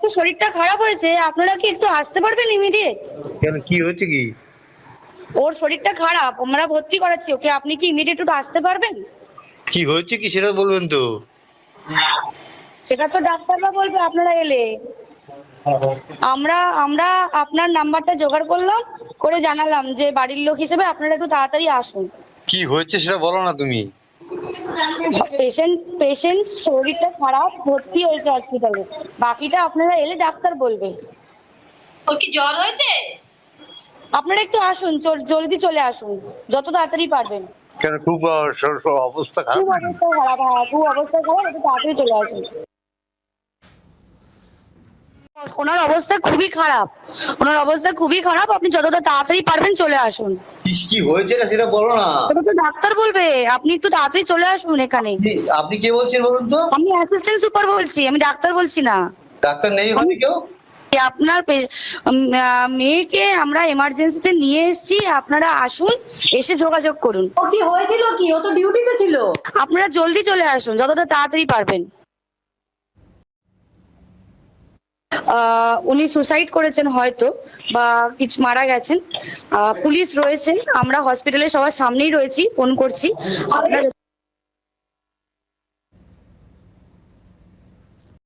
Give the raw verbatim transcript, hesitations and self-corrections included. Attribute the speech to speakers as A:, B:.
A: তো শরীরটা খারাপ হয়েছে, আপনারা কি একটু আসতে পারবেন ইমিডিয়েট?
B: কেন, কি হচ্ছে কি?
A: ওর শরীরটা খারাপ, আমরা ভর্তি করাচ্ছি ওকে, আপনি কি ইমিডিয়েট একটু আসতে পারবেন?
B: কি হচ্ছে কি সেটা বলবেন তো?
A: সেটা তো ডাক্তাররা বলবে আপনারা এলে। আমরা আমরা আপনার নাম্বারটা জোগাড় করলাম, করে জানালাম যে বাড়ির লোক হিসেবে আপনারা একটু তাড়াতাড়ি আসুন।
B: কি হচ্ছে সেটা বলো না তুমি।
A: পেশেন্ট পেশেন্ট শরীরটা খারাপ, ভর্তি হয়েছে হসপিটালে, বাকিটা আপনারা এলে ডাক্তার বলবে।
C: ওর কি জ্বর হয়েছে?
A: আপনারা একটু আসুন, চল- জলদি চলে আসুন, যত তাড়াতাড়ি পারবেন।
B: কেন, খুব আহ, স- স- অবস্থা খারাপ
A: খুব
B: নাকি?
A: অবস্থা খারাপ, হ্যাঁ খুব অবস্থা খারাপ, একটু তাড়াতাড়ি চলে আসুন। ওনার অবস্থা খুবই খারাপ, ওনার অবস্থা খুবই খারাপ, আপনি যতটা তাড়াতাড়ি পারবেন চলে আসুন।
B: কি- কি হয়েছে না সেটা বলো না।
A: ওটা তো ডাক্তার বলবে, আপনি একটু তাড়াতাড়ি চলে আসুন এখানে।
B: আপনি- আপনি কে বলছেন বলুন তো?
A: আমি অ্যাসিস্ট্যান্ট সুপার বলছি, আমি ডাক্তার বলছি না।
B: ডাক্তার নেই ওখানে কেউ?
A: আপনার পে- উম, আহ, মেয়েকে আমরা এমার্জেন্সিতে নিয়ে এসেছি, আপনারা আসুন, এসে যোগাযোগ করুন।
C: ও কি হয়েছিল কি? ও তো ডিউটিতে ছিল।
A: আপনারা জলদি চলে আসুন, যতটা তাড়াতাড়ি পারবেন। আহ উনি সুসাইড করেছেন হয়তো, বা কিছু মারা গেছেন। আহ পুলিশ রয়েছেন, আমরা হসপিটালে সবার সামনেই রয়েছি, ফোন করছি আপনারা